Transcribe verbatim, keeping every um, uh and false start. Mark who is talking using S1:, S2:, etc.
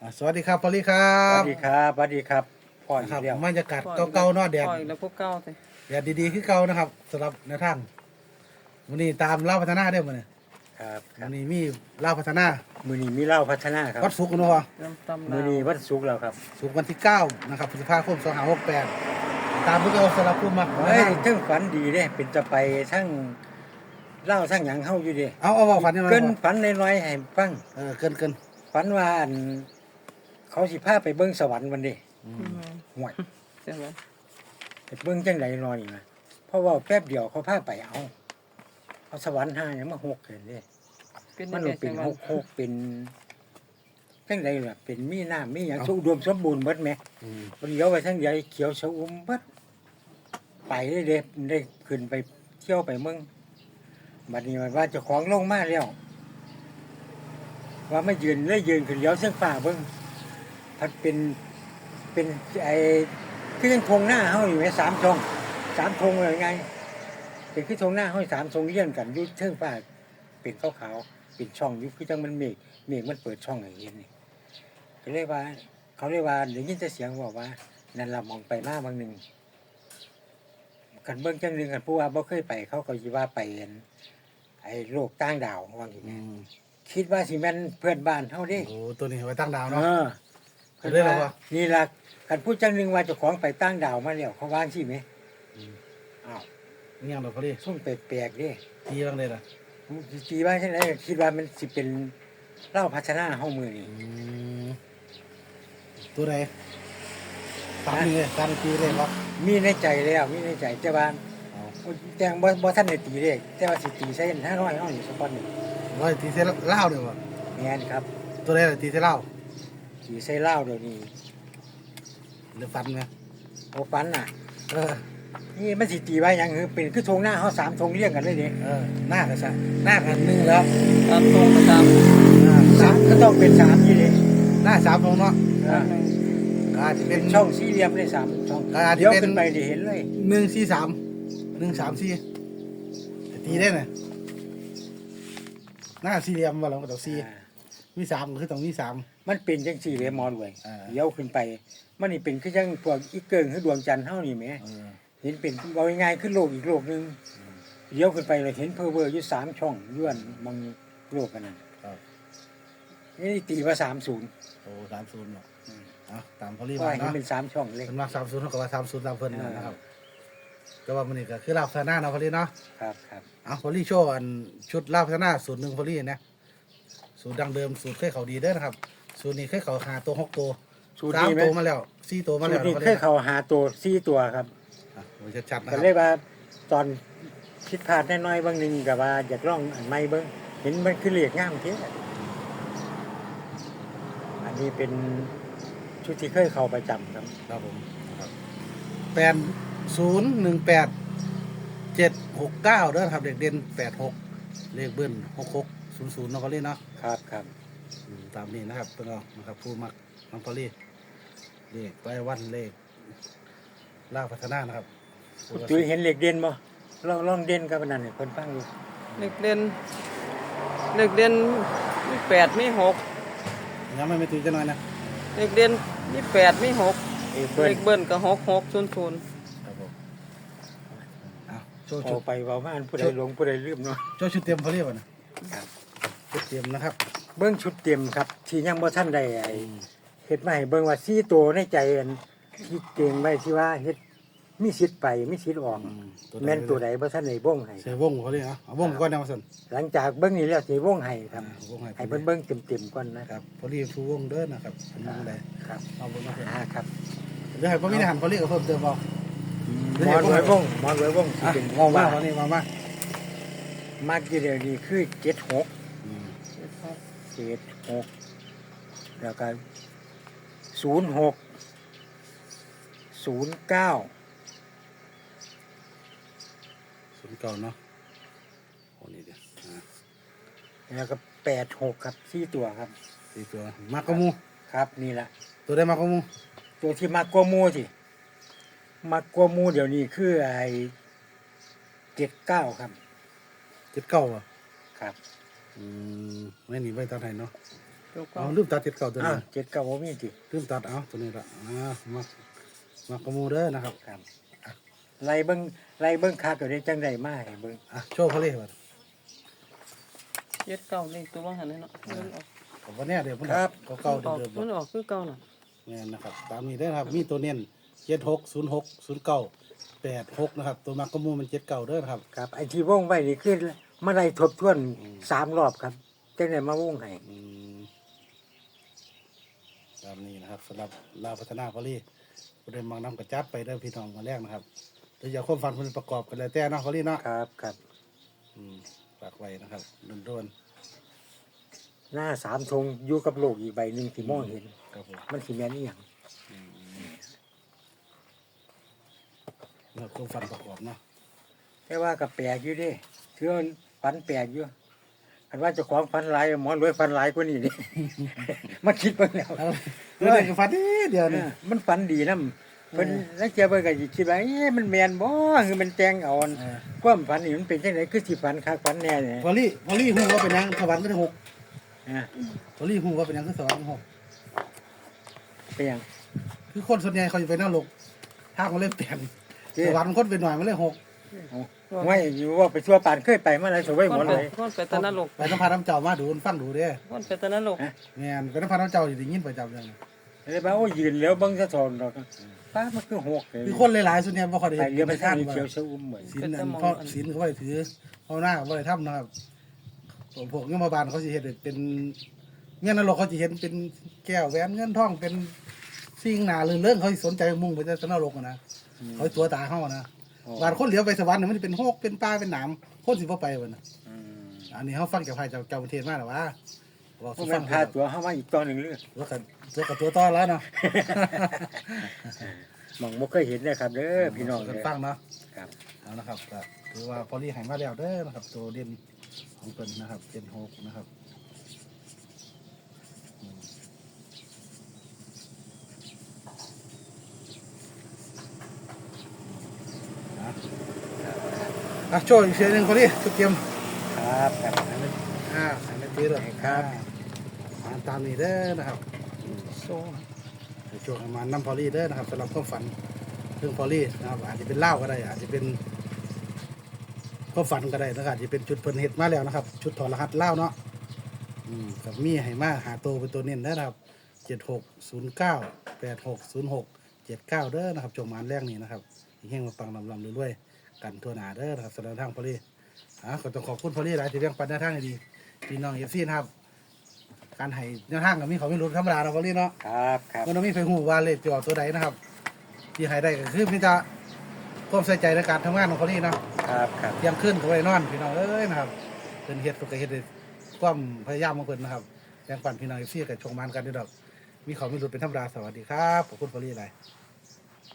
S1: อ่าสวัสดีครับพอลลี่ครั
S2: สวั
S1: บ
S2: สดีครับสวัสดีครับพ่ออี
S1: นะค
S2: ก
S1: รับ
S2: แล้ว
S1: บรรยากาศเก่าๆเนาะแดด
S3: ปล่อยแล้วพวกเก้าสิ
S1: แดดดีๆคือเก่านะครับสำหรับในทางวันนี้ตามเล่าพัฒนาเด้อมื้อนี้
S2: ครับค
S1: วั
S2: รับ
S1: นนี้มีเล่าพัฒนา
S2: มือนี้มีเหล้าพัฒนาครับ
S1: วัดศุกร์เนาะพ่อ
S3: น้ำตำ
S2: มื
S3: ลา
S2: อ
S3: ว
S2: นี้วันศุกร์แล้วครับ
S1: ศุกร์วันที่เก้านะครับพฤษภาคมสองพันห้าร้อยหกสิบแปดตามที่เราสำหรับผู้มัก
S2: เฮ้ยทั้งฝันดีเด้เป็นจะไปทั้งเหล้าทั้งหยังเฮาอยู่เด้
S1: เอาเอาเอาฝันยังไง
S2: เกิน
S1: พ่อ
S2: ฝันน้อยๆให้ฟัง
S1: เออเกินเกิน
S2: ฝันว่าอันเขาสิพาไปเบิ่งสวรรค์วันนี้
S1: อื
S3: อื
S1: ม
S3: ม
S2: ห่วย
S3: ใช่ไหม
S2: ไปเบิ่งจังไดนอนอีกนะเพราะว่าแป๊บเดียวเขาพาไปเอาเอาสวรรค์ห้าหยังมาหกเห็นเด้
S3: เป็น
S2: มั
S3: ยั
S2: น
S3: งไง
S2: เป็น
S3: ใช่ไหม
S2: หกหกเป็นจังไดล่ะเป็นมีน้ำมีหยังอุดมสมบูรณ์เบิดแหม
S1: อืม
S2: เลี้ยวไปทั้งใหญ่เขียวชอุ่มเบิดไปได้เด็ได้ขึ้นไปเที่ยวไปเมืองบัดนี้มันว่าเจะของลงมาแล้วว่าไม่ยืนเลยยืนขึ้นเลี้ยวเส้นฝ่าเบิ้งพัดเป็นเป็นไอ้คือยังทงหน้าเฮาอยู่ไหมสามทงสามทงเลยไง เป็นคือทงหน้าเฮาสามทงเลี้ยงกันอยุ่เส้นฝ่าเป็นขาวขาวๆเป็นช่องอยู่คือจังมันเมฆเมฆมันเปิดช่องอย่างเงี้ยนี่ก็เลยว่า เขาเรียกว่าเดี๋ยวยินแต่เสียงบอกว่านั่นละมองไปมาบางหนึ่งกันเบิ้งจังหนึ่งกันผู้ว่าบ่เคยไป เขาก็ยิว่าไปเห็นไอ้โลกต่างดาวว่าอย่าง
S1: อื
S2: นี้
S1: ม
S2: คิดว่าสิแม่นเพื่อนบ้านเฮาเดิ
S1: โอ้ตัวนี้ไว้ตั้งดาว
S2: เอ
S1: เนาะ
S2: อ
S1: เพิ่นเรียกอะไรวะ
S2: นี่ล่ะกันพูดจังหนึ่งว่าเจ้าของไปต่างดาวมาแล้วเขาว่างสิไหม
S1: อืม
S2: อ้าว
S1: นี่ยังดอกพอลลี่
S2: ซุ่มแปลกๆเดิ
S1: ทีบ้างเลยล่ะ
S2: ตีว่าจังไดคิดว่ามันสิเป็นเล่าพัฒนาเฮามือนี่
S1: อืมตัวไหนตามนี่เลยตามตีเลยวะ
S2: มีในใจแล้วมีในใจแต่ว่า
S1: เอา
S2: แจ้งบ่บ่ทันได้ตีเลขแต่ว่าสิตีใส่ห้าร้อยเฮานี่สักคนหนึ่ง
S1: ร้อยตีเส้นเหล้าเดี๋ยววะ
S2: แม่นครับ
S1: ตัวไหนล่ะตีเส้นเหล้า
S2: ตีใส่เหล้าเดี๋ยวนี้
S1: หรือฟันไหม
S2: โอ้ปันน่ะ
S1: เออ
S2: นี่มันสิตีไว้หยังคือเป็นคือธงหน้าเฮาสามธงเรียงกันเลยเด้
S1: เออหน้ากันซะหน้ากันหนึ่งแล้ว
S3: ตามตรงประจ
S1: อ่า
S2: สามก็ต้องเป็นสามนี่เด้
S1: หน้าสามตรงเนาะ
S3: ำ
S2: อ่า
S1: ก็อาจจะเป็
S2: เป็น นช่องสี่เหลี่ยมเลยสามช่อง
S1: ก็อาจจะ
S2: เดี๋ยว
S1: เป็น
S2: ขึ้นไปได้เห็นเลย
S1: หนึ่งสี่สามหนึ่งสามสี่แต่ตีได้ไหมหน้าสี่เหลี่ยมว่าเราก็ต้องสี่
S2: อ่า
S1: มีสามก็คือต้องมีสาม
S2: มันเป็นจังสี่เลยมอด้วย
S1: อ่า
S2: เดี๋ยวขึ้นไป มันนี่เป็นคือจังพวกอีเกิงคือดวงจันทร์เฮานี่แหม
S1: เออ
S2: เห็นเป็นเอาง่ายๆคือโลกอีกโลกหนึงเดี๋ยวขึ้นไปเลยเห็นเพอเวอร์อยู่สามช่องย้วนมองโลกกันนั่น
S1: ครับ
S2: นี่ตีว่าสามศูนย์
S1: โอ้สามศูนย์เนาะ
S2: อืม
S1: เอาตามเขาเรียก
S2: ว่า
S1: มา
S2: เห็น
S1: เนาะ
S2: เป็นสามช่องเลย
S1: เป็นว่าสามศูนย์เท่ากับว่าสามศูนย์ตามเพิ่น
S2: อ่าน
S1: นะครับก็ว่ามันนี่ก็คือลาบพนาเนาะพอลี่เนาะ
S2: ครับครับ
S1: เอาพอลี่โชว์อันชุดลาบพนาสูตรหนึ่งพอลี่นะสูตรดังเดิมสูตรเคยเขาดีเด้อนะครับ สูตรนี้เคยเขาหาตัวหกตัว
S2: สูตร
S1: สาม
S2: นี้ไหม
S1: ตัวมาแล้วสี่ตัวมา
S2: สู
S1: แล้
S2: ต
S1: ว
S2: รนี้
S1: นะ
S2: เคยเข้าหาตัวสี่ตัวครับ
S1: อ่ะโอ้ยชัดๆนะค
S2: ก็
S1: รับ
S2: เลยว่าตอนคิดพลาดน้อยๆบางหนึงกับว่าอยากลองอันใหม่เบิ่งเห็นมันคือเหลียกงามเท่อันนี้เป็นชุดที่เคยเข้าประจำครับ
S1: ครับผมนะครับแปดศูนย์หนึ่งแปดเจ็ดหกเก้าเด้อครับเด็กเด่นแปดหกเลขเบิ้ลหกหกศูนย์ศูนย์น้องพอลี่เนาะ
S2: ครับครับ
S1: อืมตามนี้นะครับเพื่อนเรานะครับผู้มักน้องพอลี่เลขรายวันเลขล่าพัฒนานะครับ
S2: จุ้ยเห็นเหล็กเด่นบ่ลองลองเด่นกับอันนั้นให้คนฟังดู
S3: เด็กเด่นเด็กเด่นมีแปดมีหก
S1: ยังไม่ไม่ตีจะน้อยนะ
S3: เด็กเด่นมีแปดมีหก
S2: เอ้เบิ้
S3: เด็
S2: ล
S3: กเบิ้ลก็หกหกศูนย์ศูนย์
S1: ครับผมเอาโชว์
S2: พ
S1: ชุ
S2: อ
S1: ด
S2: ไปเว้ามาอันผู้ใดหลงผู้ใดลืมเนาะ
S1: โชว์ชุดเตรียมพอลี่ก่อนนะครับ ชุดเตรียมนะครับ
S2: เบิ้งชุดเต็มครับที่ยังบ่ทันได้ไอ้เฮ็ดมาให้เบิ้งว่าสี่ตัวในใจอันที่เก่งไว้ที่ว่าเฮ็ดมีสิทธิ์ไปมีสิทธิ์ออก
S1: อืม
S2: แม่นตัวใดบ่ทันได้บ่งให้
S1: เสียวงพอลี่เอาเอาวงก่อนนะมาสัน
S2: หลังจากเบิ้งนี้แล้วสิบ่งให้ครับ
S1: อ่าวงให้
S2: ให้เพิ่นเบิ้งเต็มๆก่อนนะ
S1: ครับพอลี่ชูวงเด้อนะครับเป็นวงใด
S2: ครับ
S1: เอาวงมาเถอะ
S2: อ่าครับ
S1: เดี๋ยวให้พ่อมีทหารพอลี่กับเพิ่มเติมเอา
S2: หมอนไว้วงหมอนไว้วงสิ
S1: อ่ะ
S2: เป็น
S1: มองมา
S2: ว่า
S1: พอลี่มามา
S2: มักอยู่เดี๋ยวนี้คือเจ็ดหก
S1: อืม
S2: เจ็ดหกแล้วก็ศูนย์หกศูนย์เก้า
S1: ศูนย์เก่าเนาะโอ้นี่เดี๋ยวอ่า
S2: แล้วก็แปดหกครับสี่ตัวครับ
S1: สี่ตัวมากกว่าหมู
S2: ครับนี่แหละ
S1: ตัวได้มากกว่าหมู
S2: ตัวที่มากกว่าหมูสิมากกว่าหมูเดี๋ยวนี้คือไอ้เจ็ดเก้าครับ
S1: เจ็ดเก้าอ่ะ
S2: ครับ
S1: อืมไม่หนีไปตอนไหนเนาะ
S3: ตัวเก่า
S1: เอาลืมตัดเจ็ดเก่าตัว
S2: อ้า
S1: นี้
S2: วเจ็ดเก้าบ่มีติ
S1: ลืมตัดเอาตัวนี้ละอ่ามา มากระมูเด้อนะครับ
S2: ครับไล่เบิ่งไล่เบิ่งคักก็ได้จังได๋มาให้เบิ่ง
S1: อ่ะโชว์เขาเลยบัด
S3: เจ็ดเก่าเลขตัวว่าหันเลยเนาะมันออก
S1: ผมว่าเนี่ยเดี๋ยวมันก็เก่า
S3: มันออก
S1: เดิม
S3: มันออกคือเก่าน่ะ
S1: ๆเนี่ยนะครับ ตามนี้ได้อนะครับ มีตัวเน้นเจ็ดหกศูนย์หกศูนย์เก้าแปดหกนะครับ ตัวมากระมูมันเจ็ดเก่าเด้อนะครับ
S2: ครับไอ้ที่วงไว้นี่คือมาไล่ทบทวนสามรอบครับจังได๋มาวงให้
S1: อืมตามนี้นะครับสำหรับลาวพัฒนาพอลี่ประเด็นบางน้ำกระจัดไปเด้อพี่น้องมาแรกนะครับหรืออยากความฝันคนประกอบกันแล้วแต่เนาะพอลี่เนาะ
S2: ครับครับ
S1: อืมฝากไว้นะครับโดน
S2: หน้าสามธงอยู่กับโลกอีกใบหนึงที่มองเห็น
S1: ๆครับผม
S2: มันสิแม่นอีหยัง
S1: แล้วความฝันประกอบเนาะ
S2: แต่ว่าก็แปลกอยู่เด้คือมันฝันแปลกอยู่คันว่าเจ้าของฝันหลายหมอรวยฝันหลายกว่านี้นี่ มาคิดเบิ่งแล้ว
S1: เอาเรื่องเด็กฝันนิดเดียว
S2: เอ
S1: นี่
S2: อมันฝันดีนำเพิ่นนักเจียเบิ่งก็สิคิดว่าเอ๊ะมันแม่นบ่คือมันแต่งเอาอัน
S1: เออ
S2: ความฝันนี่มันเป็นจังไดคือสิฝันคักฝันแน่เนี่ย
S1: พอลี่พอลี่หูว่าเป็นหยังสวรรค์ก็ได้หก
S2: อ่า
S1: พอลี่หูว่าเป็นหยังคือสวรรค์หก
S2: เป็นหยัง
S1: คือคนส่วนใหญ่เขาจะไปนั่งลงถ้าเขาเล่นเปลี่ยนสวรรค์คนเป็นหน่อยมันเลยหก
S2: ไม่อยู่ว่าไปทั่วปานเคยไปมาแล้วสวยหมดเลย
S3: คนไปตะนรก
S1: ไปน้ำพาน้ำเจ้ามาดูฟังดูเด้
S3: คนไปตะนรก
S1: แม่นไปน้ำพาน้ำเจ้าอยู่ได้ยินประจำเลย
S2: เลยว่าโอ้ยืนแล้วเบิ่งสะท้อนดอกป้ามันคือหกเลย
S1: คือคนหลายๆส่วนใหญ่บ่ค่อยได้
S2: ไป
S1: เห็น
S2: เรือไป
S1: ไป
S2: ทา
S1: ท่าง น
S2: เขียวชะอุ่มเหมือน
S1: ศีลนั่นเพราะศีลเขาบ่ได้ถือเขาหน้าเขาบ่ได้ทำนะครับพวกเงี้ยมาบานเขาสิเห็นเป็นเงี้ยนรกเขาสิเห็นเป็นแก้วแหวนเงินทองเป็นสิ่งหนาเรื่องเรื่องเขาสิสนใจมุ่งไปแต่นรกอะนะเขาสิตัวตาเขาอะนะบานคนเหลียวไปสวรรค์เนี่ยมันจะเป็นโฮกเป็นปลาเป็นหนามคนสิบ่ไปวันน่ะอันนี้เขาฟังจากไผจากเจ้าประเทศมาแล้วว่าบอก
S2: พ
S1: สิ
S2: วก
S1: ฟั
S2: มั
S1: ง
S2: นพาตัวเข้ามาอีกตอนหนึ่งเลย
S1: ว่ากันตัวกับตัวต่อแล้วเนาะ
S2: มองบ่เคยเห็นเลยครับเด้อพี่น้อง
S1: กัน
S2: เด้อ
S1: ฟังเนาะ
S2: ครับ
S1: เอานะครับก็ถือว่าพอลี่หายมาแล้วเด้อนะครับ ตัวเด่นของเพิ่นนะครับเจ็ดหกนะครับอืมอ่ะอ่ะโชว์อีกเสียงหนึ่งพอลี่ชุดเตรียม
S2: ครับครับ
S1: อ่าใส่ในตีเลย
S2: ครับ
S1: อ่าตามนี้เด้อนะครับ
S3: โซ่
S1: ให้ช่วงประมาณน้ำพอลี่เด้อนะครับสำหรับความฝันเรื่องพอลี่นะครับอาจจะเป็นเล่าวก็ได้ อาจจะเป็นความฝันก็ได้นะครับอาจจะเป็นชุดเพิ่นเฮ็ดมาแล้วนะครับ ชุดถอดรหัสเล่าวเนาะอืมกับมีให้มาหาตัวเป็นตัวเน้นได้อนะครับเจ็ดหกศูนย์เก้าแปดหกศูนย์หกเจ็ดเก้าเด้อนะครับจงมานแรกนี้นะครับเฮงมาปังลำลำรวยๆกันทั่วหน้าเด้อนะครับสำหรับทางพอลี่อ่าขอต้องขอบคุณพอลี่หลายที่เลี้ยงปันแนวทางให้ดีพี่น้องเอฟซีนะครับ การให้แนวทางกับมีเขาไม่รู้ธรรมดาเราพอลี่เนาะ
S2: ครับครับ
S1: มันต้องมีไฟหูว่าเลขจะออกตัวใดนะครับ ที่ให้ได้ก็คือพี่จะความใส่ใจในการทำงานของเขานี่เนาะ
S2: ครับครับ
S1: เที่ยังขึ้นก็ไปนอนพี่น้องเอ้ยนะครับเป็นเฮ็ดก็เฮ็ดด้วยความพยายามของเพิ่นนะครับแรงปั่นพี่น้องเอฟซีกับชงมันกันด้วยดอกมีเขาไม่รู้เป็นธรรมดาสวัสดีครับขอบคุณพอลี่หลาย